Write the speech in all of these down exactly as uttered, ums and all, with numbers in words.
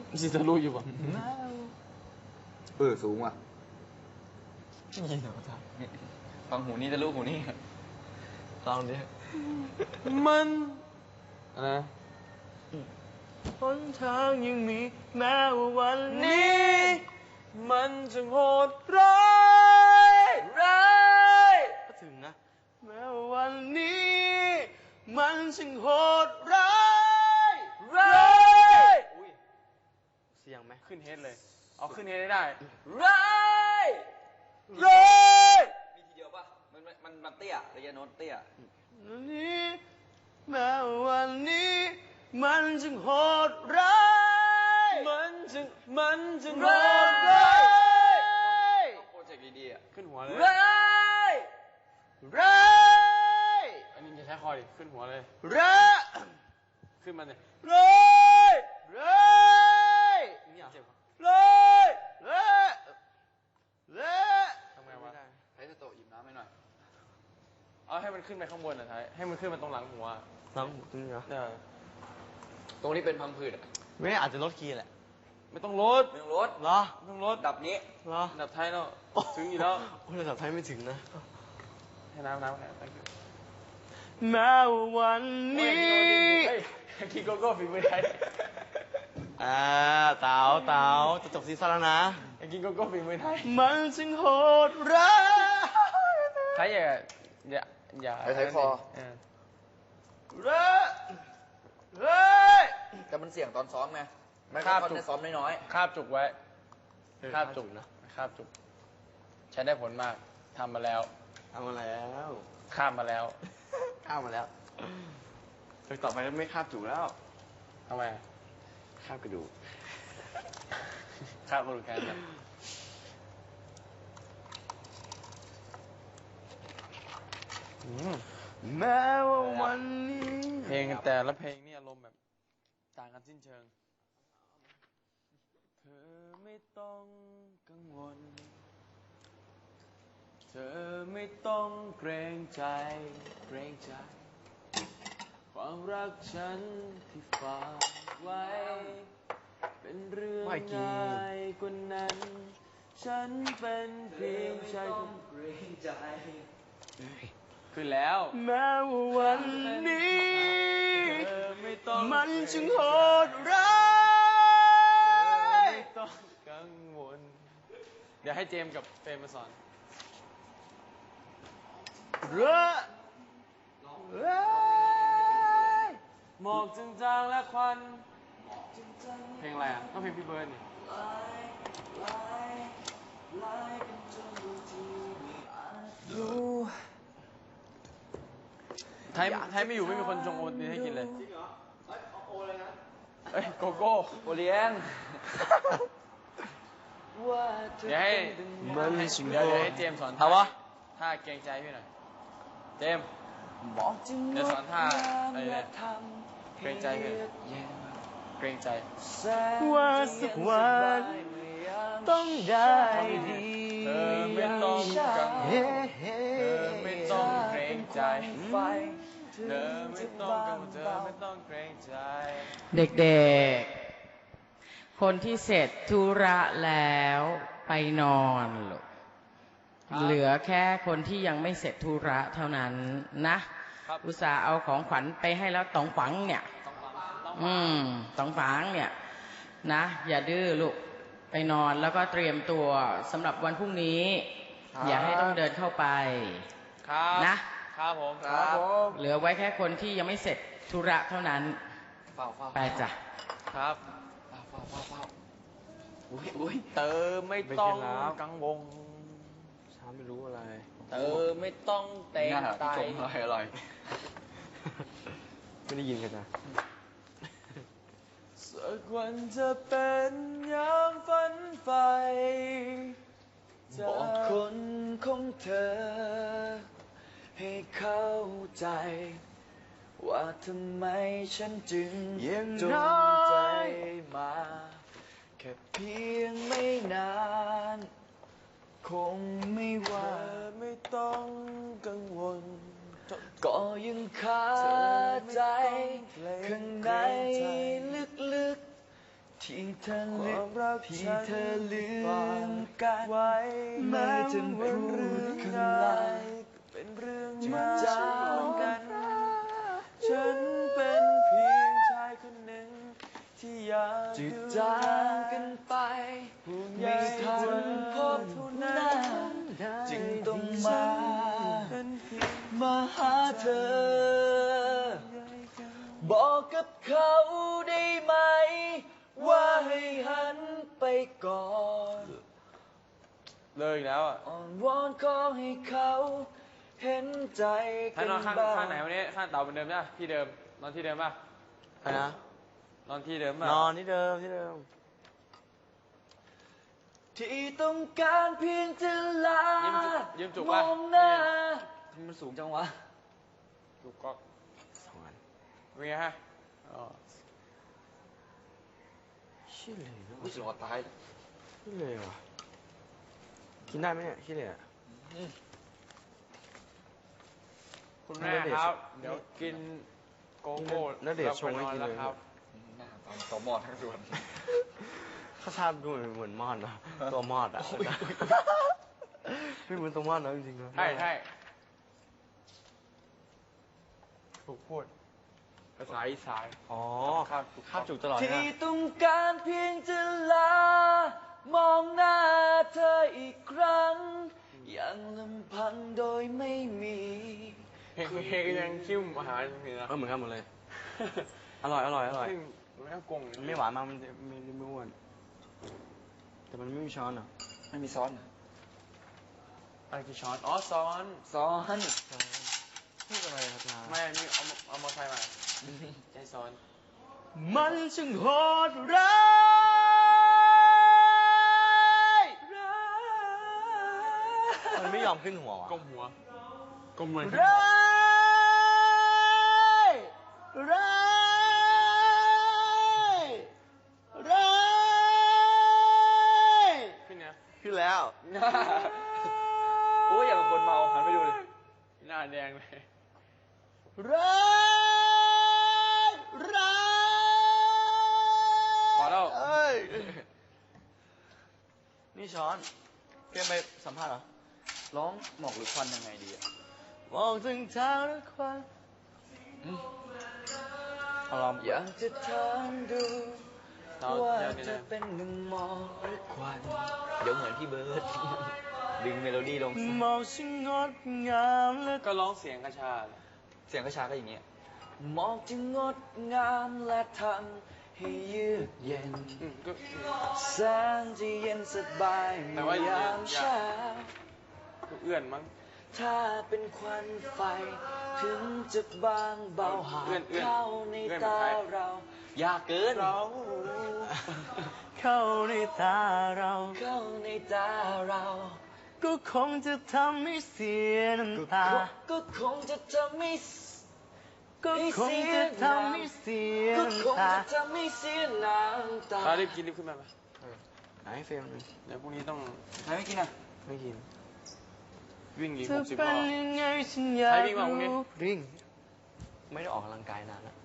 ชิทะลุอยู่ป่ะเออสูงว่ะนี่เหรอท่าฟังหูนี่ทะลุหูนี่ลองดิมันอะไรนะหนทางยังมีแม้ว่าวันนี้มันจะโหดร้ายร้ายก็ถึงนะแม้ว่าวันนี้มันจะโหดร้ายร้ายอุ้ยเสียงไหมขึ้นเฮดเลยเอาขึ้นเฮดได้ร้ายร้ายมีทีเดียวป่ะมันมันมันเตี้ยระยะโน้ตเตี้ยนี้แม้วันนี้มันจึงโหดร้ายมันจึงมันจึงโหดร้ายต้องโปรเจกต์ดีๆอ่ะขึ้นหัวเลยร้ายร้ายอันนี้จะใช้คอดิขึ้นหัวเลยร้ายขึ้นมาเลยร้ายร้ายนี่เจ็บร้ายร้ายร้ายทำไงวะใช้สโต๊ะหยิบน้ำให้หน่อยเอาให้มันขึ้นไปข้างบนอ่ะท้ายให้มันขึ้นมาตรงหลังหัวหลังหัวตรงนี้เหรอเนี่ยตรงนี้เป็นพังผืดอ่ะไม่อาจจะลดคีย์แหละไม่ต้องลดไม่ต้องลดเหรอไม่ต้องลดดับนี้เหรอดับไทยแล้วถึงอยู่แล้วโอ้ยดับไทยไม่ถึงนะให้น้ำน้ำแค่แม้วันนี้กินโกโก้ฝีมือไทยอ่าเต๋าเต๋าจะจบซีซั่นแล้วนะกินโกโก้ฝีมือไทยมันจึงโหดร้ายใครอย่าอย่าอย่าใช้คอเร้อเร้อแต่มันเสี่ยงตอนซ้อมไงไม่คาบจุกซ้อมน้อยๆคาบจุกไว้คาบจุกนะคาบจุกใช้ได้ผลมากทำมาแล้วทำมาแล้วคาบมาแล้วคาบมาแล้วแต่ต่อไปไม่คาบจุกแล้วทำไมคาบกระดูกคาบกระดูกแขนนะแม้ว่าวันนี้เพลงแต่ละเพลงนี่อารมณ์แบบต่างกันสิ้นเชิงเธอไม่ต้องกังวลเธอไม่ต้องเกรงใจเกรงใจความรักฉันที่ฝากไว้เป็นเรื่องง่ายกว่านั้นฉันเป็นเพียงชายคนเกรงใจขึ้นแล้วแม้ว่าวันนี้มันจึงโหดร้ายไม่ต้องกังวลเดี๋ยวให้เจมส์กับเฟรมมาสอนเร้อเร้อหมอกจางๆและควันเพลงอะไรอ่ะก็เพลงพี่เบิร์ดนี่ไทยไทยไม่อยู่ไม่มีคนชงโอนี้ให้กินเลยจริงเหรอโอเลยนะเอ้ยโกโก้โอเลี้ยงเดี๋ยวให้เดี๋ยวให้เจมสอนท่าท่าเกรงใจพี่หน่อยเจมเดี๋ยวสอนท่าอะไรเนี่ยเกรงใจพี่เกรงใจว่าสักวันต้องได้ดีเธอไม่ต้องกังวลเธอไม่ต้องเกรงใจเธอไม่ต้องกังวลเธอไม่ต้องเกรงใจเด็กๆคนที่เสร็จธุระแล้วไปนอนลูกเหลือแค่คนที่ยังไม่เสร็จธุระเท่านั้นนะอุตส่าห์เอาของขวัญไปให้แล้วตองฝังเนี่ยอืมตองฝังเนี่ยนะอย่าดื้อลูกไปนอนแล้วก็เตรียมตัวสำหรับวันพรุ่งนี้อย่าให้ต้องเดินเข้าไปนะครับผมครับผมเหลือไว้แค่คนที่ยังไม่เสร็จธุระเท่านั้นไปจ้ะครับอุ้ยอุ้ยเติมไม่ต้องกังวลช้าไม่รู้อะไรเติมไม่ต้องเตะตายอร่อยอร่อยไม่ได้ยินกันจ้ะสักวันจะเป็นอย่างฝันใฝ่บอกคนของเธอให้เข้าใจว่าทำไมฉันจึงจงใจมาแค่เพียงไม่นานคงไม่ว่าไม่ต้องกังวลก็ยังคาใจข้างในลึกๆที่เธอลืมที่เธอลืมกันไว้แม้จะพูดคำลายเป็นเรื่องมาจากกัน ฉันเป็นเพียงชายคนหนึ่งที่อยากจะจากกันไปไม่ทันพบหน้าจึงต้องมามาหาเธอบอกกับเขาได้ไหมว่าให้หันไปก่อนเลยอีกแล้วอ่ะอ่อนวอนขอให้เขาเห็นใจกันบ้างข้างข้างไหนวันนี้ข้างเต่าเหมือนเดิมใช่ที่เดิมนอนที่เดิมป่ะอะไรนะนอนที่เดิมป่ะนอนที่เดิมที่เดิมที่ต้องการเพียงจะลายืมจุกมป่ะองหน้ามันสูงจังวะจุกก็สองอันเป็นไงฮะอ๋อขี้เหร่กูจะรอตายขี้เหร่ว่ะกินได้ไหมเนี่ยขี้เหร่คุณแม่ครับเดี๋ยวกินโกโก้แล้วเดี๋ยวชงให้กินเลยครับหน้าตอนตัวมอดทั้งส่วนข้าทาบดูเหมือนมอดนะตัวมอดอ่ะไม่เหมือนตัวมอดนะจริงๆนะใช่ใช่ถูกพูดภาษาอีสานอ๋อข้าวข้าวจุกตลอดนะที่ต้องการเพียงจะลามองหน้าเธออีกครั้งอย่างลำพังโดยไม่มีเพลงเพลงยังคิ้วอาหารเหนือเออเหมือนกันหมดเลยอร่อยอร่อยอร่อยไม่ต้องกงไม่หวานมากมันไม่ไม่อ้วนแต่มันไม่มีช้อนอ่ะไม่มีซ้อนอะไรกี่ช้อนอ๋อซ้อนซ้อนพูดอะไรครับนาไม่นี่เอาเอามาใส่มาใจซ้อนมันช่างโหดร้ายมันไม่ยอมขึ้นหัววะก้มหัวก้มเหมือนร้ายร้ายร้ายขึ้นเนี่ยขึ้นแล้วโอ้ยอย่างกับคนเมาหันไปดูเลยหน้าแดงเลยร้ายร้ายพอแล้วเอ้ยนี่ช้อนเกมไปสัมภาษณ์เหรอร้องหมอกหรือควันยังไงดีอะมองถึงเท้าและควันอารมณ์อยากจะถามดูว่าจะเป็นหนึ่งหมอกหรือควันเดี๋ยวเหมือนพี่เบิร์ดดึงเมโลดี้ลงมองช่างงดงามและก็ร้องเสียงกระชาเสียงกระชาก็อย่างเงี้ยหมอกจึงงดงามและทำให้เยือกเย็นแสงที่เย็นสบายเมื่อยามเช้าเอื้อนมั้งถ้าเป็นควันไฟถึงจะบางเบาหาเข้าในตาเราอยากเกินเราเข้าในตาเราเข้าในตาเราก็คงจะทำให้เสียน้ำตาก็คงจะทำให้ก็คงจะทำให้เสียน้ำตาก็คงจะทำให้เสียน้ำตารีบกินรีบขึ้นมาไหมไหนเฟรมเดี๋ยวพรุ่งนี้ต้องใครไม่กินอ่ะไม่กินวิ่งอีกหกสิบรอบใครวิ่งมาพรุ่งนี้วิ่งไม่ได้ออกกำลังกายนานแล้ว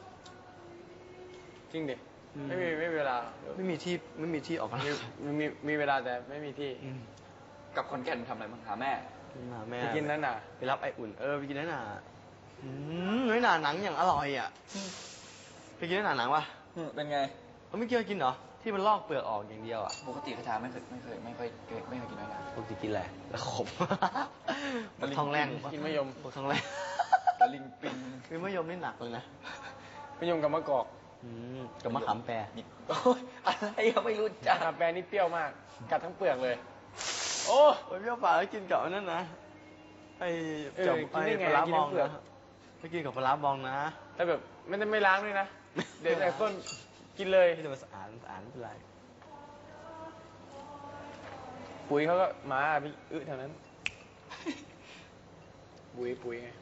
จริงดิไม่มีไม่มีเวลาไม่มีที่ไม่มีที่ออกกำลังกายมีมีมีเวลาแต่ไม่มีที่กับคอนแก่นทำอะไรบ้างหาแม่หาแม่ไปกินนั่นน่ะไปรับไออุ่นเออไปกินนั่นน่ะอืมน้อยหนาหนังอย่างอร่อยอ่ะไปกินนั่นหนาหนังปะเป็นไงเขาไม่เกี่ยวกินเหรอที่มันลอกเปลือกออกอย่างเดียวอ่ะปกติกระชาไม่เคยไม่เคยไม่ค่อยไม่เคยกินน้อยหนาปกติกินอะไรแล้วขมมันทองแรงกินมะยมทองแรงตะลิงปิงคือมะยมนี่หนักเลยนะมะยมกับมะกอกกับมะขามแปรโอ้ยอะไรยังไม่รู้จักมะขามแปรนี่เปรี้ยวมากกัดทั้งเปลือกเลยโอ้เปรี้ยวปากแล้วกินกับนั่นนะไอ้จับไอ้ปลาบองนะไม่กินกับปลาบองนะแต่แบบไม่ได้ไม่ล้างด้วยนะเดี๋ยวแต่ต้นกินเลยที่จะมาสะอาดสะอาดไม่เป็นไรปุ๋ยเขาก็มาพี่อึแถวนั้นปุ๋ยปุ๋ยไง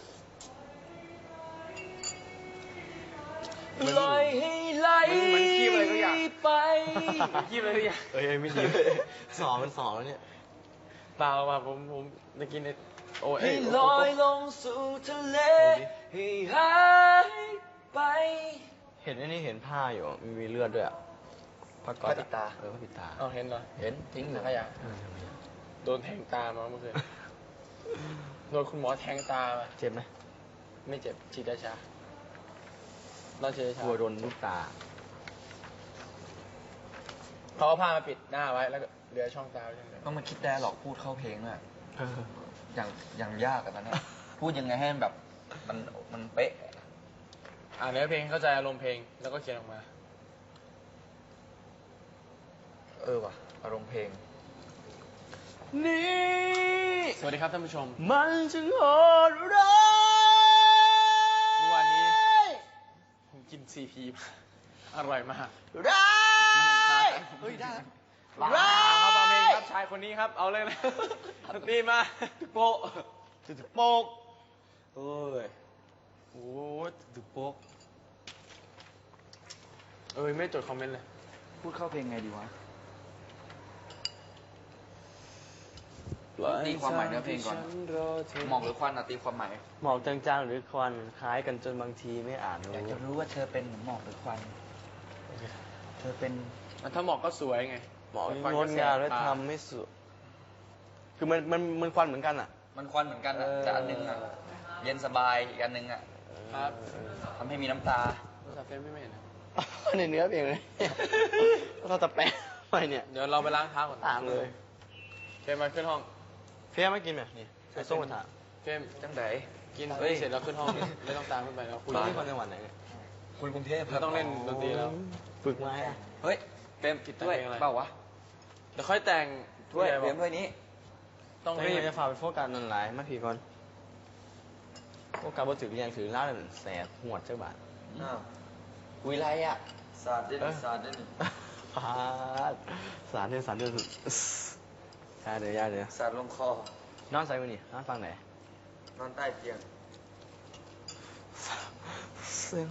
ปล่อยให้ไหลไปขี้อะไรก็อยากเอ้ยไม่ดีสองมันสองแล้วเนี่ยเปล่าป่ะผมผมจะกินโอ้ยให้ลอยลงสู่ทะเลให้หายไปเห็นอันนี้เห็นผ้าอยู่มีเลือดด้วยอ่ะผ้าก๊อผ้าซปิดตาเออผ้าปิดตาเอาเห็นเหรอเห็นทิ้งถังขยะเออทำไมอะโดนแทงตามาเมื่อคืน โดนคุณหมอแทงตามาเจ็บไหมไม่เจ็บฉีดยาชาเราฉีดยาชากลัวโดนลูกตาเขาเอาผ้ามาปิดหน้าไว้แล้วก็เหลือช่องตาไว้อย่างเดียวต้องมาคิดได้หรอกพูดเข้าเพลงอ่ะเอออย่างอย่างยากอะตอนเนี้ยพูดยังไงให้มันแบบมันมันเป๊ะอ่านเนื้อเพลงเข้าใจอารมณ์เพลงแล้วก็เขียนออกมาเออว่ะอารมณ์เพลงนี่สวัสดีครับท่านผู้ชมมันจึงโหดร้ายเมื่อวานนี้ผมกินซีพีมาอร่อยมากร้ายเฮ้ยได้ว้าวครับฟังเพลงครับชายคนนี้ครับเอาเลยนะดนตรีมาโป๊ะจุดโป๊กเอ้ยโอ้ยตึกโป๊กเอ้ยไม่จดคอมเมนต์เลยพูดเข้าเพลงไงดีวะ ตีความหมายเนื้อเพลงก่อน หมอกหรือควันอะตีความหมายหมอกจางๆหรือควันคล้ายกันจนบางทีไม่อ่านอยากจะรู้รู้ว่าเธอเป็นหมอกหรือควัน เธอเป็นถ้าหมอกก็สวยไงหมอกควันงก็ดแสบงามและตทำไม่สุดคือมันมันมันควันเหมือนกันอ่ะมันควันเหมือนกันอะเออแต่อันหนึงอะเย็นสบายอีกอันหนึงอะครับทำให้มีน้ำตาโทรศัพท์เฟรมไม่เห็นนะในเนื้อเพลงเลยเราจะแปลไปเนี่ยเดี๋ยวเราไปล้างเท้าก่อนตามเลยเฟรมมาขึ้นห้องเฟียไม่กินไหมนี่ใส่ส้มกระทะเฟรมจังไดกินเฮ้ยเสร็จแล้วขึ้นห้องไม่ต้องตามขึ้นไปแล้วคุยคุณนี่คนจังหวัดไหนเนี่ยคุณกรุงเทพเราต้องเล่นดนตรีแล้วฝึกมาให้อะเฮ้ยเปรมกินแต่ถ้วยเพลงอะไรเปล่าวะเดี๋ยวค่อยแต่งถ้วยผู้ใหญ่เปรบมอกถ้วยนี้ต้องแต่รีบมันจะฝากไปโฟกัสนั่นหลายมาผีก่อนโฟกัสบ่ถือเรียงถือล่าเลยแสบหวดเจ้าบาทอ้าววิไลอะศาสตร์ด้วยนี่ศาสตร์ด้วยนี่ฟาดสารเดือนสารเดือนสุดยาเดี๋ยวยาเดี๋ยวศาสตร์ลงคอนอนใส่มือนี่นอนฟังไหนนอนใต้เตียงเสียง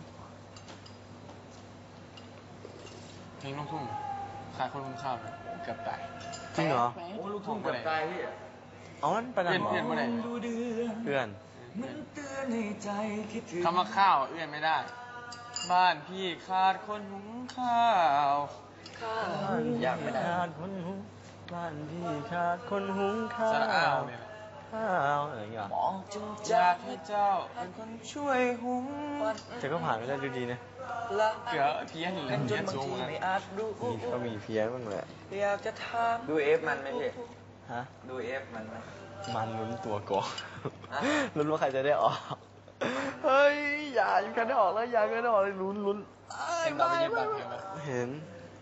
เพลงลูกทุ่งขายคนคุ้มข้าวนะเกือบตายจริงเหรอโอ้ลูกทุ่งเกือบตายพี่เอามันไปนั่นหรอเพื่อนเพื่อนมาไหนดูเดือนเพื่อนมันเตือนให้ใจคิดถึงคำว่าข้าวเอื้อนไม่ได้ บ้านพี่ขาดคนหุงข้าวอยากไม่ได้ขาดคนหุงบ้านพี่ขาดคนหุงข้าวสระอ้าวเนี่ยข้าวอะไรอย่างเงี้ยมองจนอจายากให้เจ้าเป็นคนช่วยหุงแต่ก็ผ่านไปได้ดูดีนะละเกือบเพี้ยนเลยจเพี้ยนนบางสูงทีนะไม่อาจรู้มีก็มีเพี้ยนบ้างแหละอยากจะถามดูเอฟมันไหมพี่ฮะดูเอฟมันไหมมันลุ้นตัวก่อนฮะลุ้นว่าใครจะได้ออก เฮ้ย อย่าอยู่กันได้ออกแล้วอย่ากันได้ออกเลยลุ้นลุ้นเห็นเราไปเย็บปากเพลงไหมเห็น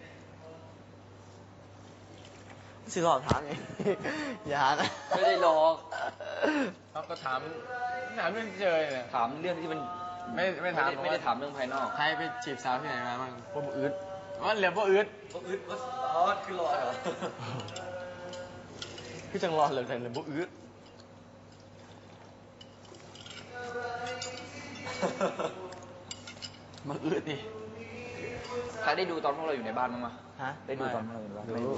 สิหลอกถามไง อย่านะไม่ได้หลอกเขาก็ถามถามเรื่องเจอเนี่ยถามเรื่องที่มันไม่ไม่ถามไม่ได้ถามเรื่องภายนอกใครไปจีบสาวที่ไหนมาบ้างพวกอึดว่าเหลือพวกอึดอึดว่าอ๋อคือหลอกเหรอคือจังรอเลยแต่เลยบุอื้อมาอึดดิใครได้ดูตอนพวกเราอยู่ในบ้านมั้างมะฮะได้ดูตอนพวกเราอยู่ในบ้านดูไม่ดู